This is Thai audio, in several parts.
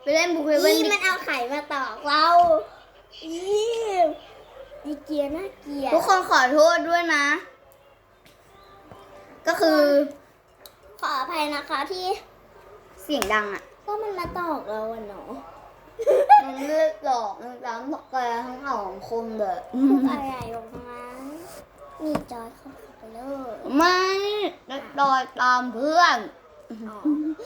ไปเล่นบุกเฮเว่นมันเอาไข่มาตอกเราดีเกียร์น่าเกลียดทุกคนขอโทษด้วยนะ ก็คือขออภัยนะคะที่เสียงดังอ่ะก็มันมาตอกเราอะเนาะมันเลือกหลอกมันร้ำบอกแกทั้งสองคนเลยพูดอะไรออกมามีจอยเข้าไปเลยไม่ดอยตามเพื่อนอ๋อ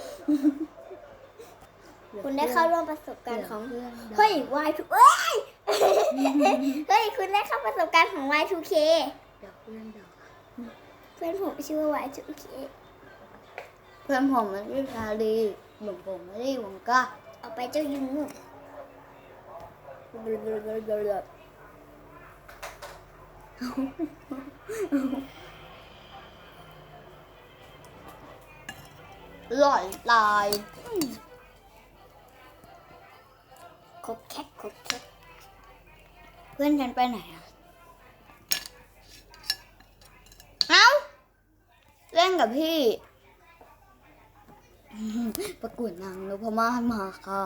คุณได้เข้าร่วมประสบการณ์ของเพื่อนเฮ้ย Y2 เอ้ย เฮ้ย คุณได้เข้าประสบการณ์ของ Y2K เดี๋ยวเพื่อนเดี๋ยวเพื่อนผมชื่อว่า Y2K เพื่อนผมมันชื่อชาลีเหมือนผมไม่ได้ผมก็เอาไปเจ้ายุงหล่อยตายคบแคกคบแคกเพื่อนฉันไปไหนอ่ะ เอ้า เล่นกับพี่ ประกวดนางนพมาศมาค่ะ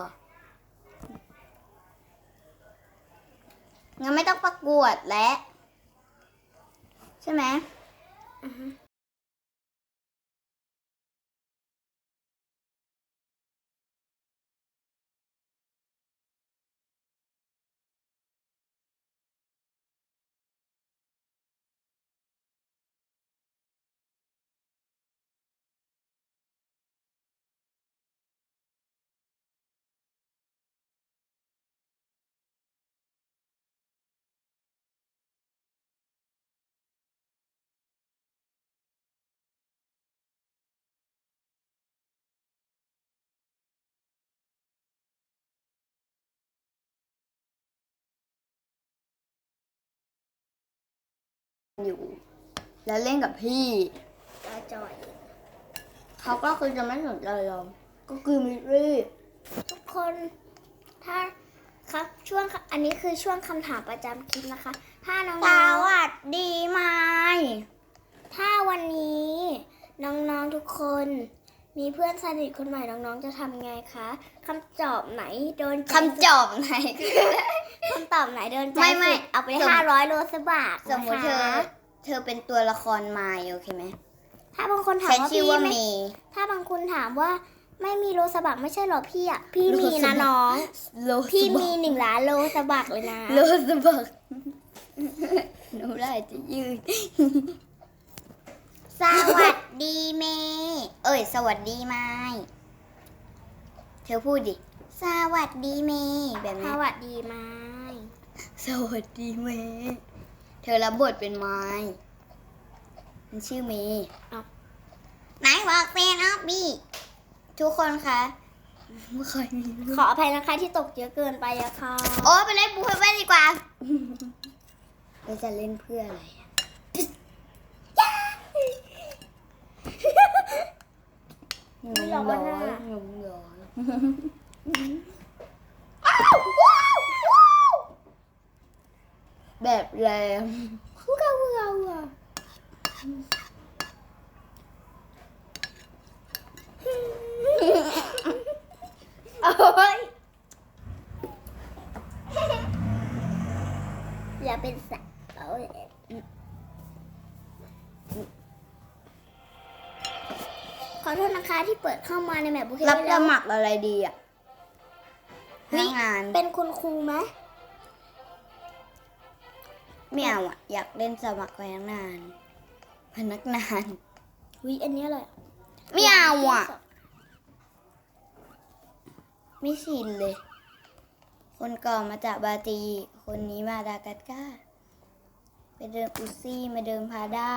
งั้นไม่ต้องประกวดแล้ว ใช่ไหม อยู่ แล้วเล่นกับพี่ตาจอยเขาก็คือจะไม่สนใจเรา ก็คือมิรี่ทุกคนถ้าครับช่วงอันนี้คือช่วงคำถามประจำคลิปนะคะ ถ้าน้สองวัสดีไหมๆถ้าวันนี้น้องๆทุกคนมีเพื่อนสนิทคนใหม่น้องๆจะทำไงคะคำตอบไหนโดนใจคำจอบไหนคำตอบไหนโดนใจไม่สุดเอาไปสม 500 โลสบาทสมมติเธอเป็นตัวละครมายโอเคไหมถ้าบางคนถามฉันว่าชื่อพี่ว่าไม่เมย์ถ้าบางคนถามว่าไม่มีโลสบักไม่ใช่หรอพี่อ่ะพี่โลมีสบันะกน้องโลพี่สบัมีก 1 ล้านโลสบักเลยนะโลสบักหนูได้จะยืด สวัสดีเมย์เอ้ย สวัสดีไม้เธอพูดดิ สวัสดีเมย์แบบสนี้วัสดีไม้สวัสดีเมย์เธอรับบทเป็นไม้มันชื่อเมย์ไหนบอกเป็นออฟบี้ทุกคนคะไม่เคยมีขออภัยนะคะที่ตกเยอะเกินไปอะค่ะโอ้ไปเล่นบูเฮเว่นดีกว่าเราจะเล่นเพื่ออะไรอะหนุ่มร้อยหนุ่มร้อยแบบแรงคู่กับเราอ่ะโอ้ยอย่าเป็นสัตว์เอาขอโทษนะคะที่เปิดเข้ามาในแมปบุครับสมัครอะไรดีอ่ะพนักงานเป็นคุณครูไหมไม่เอาอ่ะ อยากเล่นสมัครพนักงาน พนักงานวิอันนี้อะไรไม่เอาอ่ะ ไม่ชินเลย คนก่อนมาจากบราซิลคนนี้มาดากัสการ์ไปเดินอุซี่มาเดินพาด้า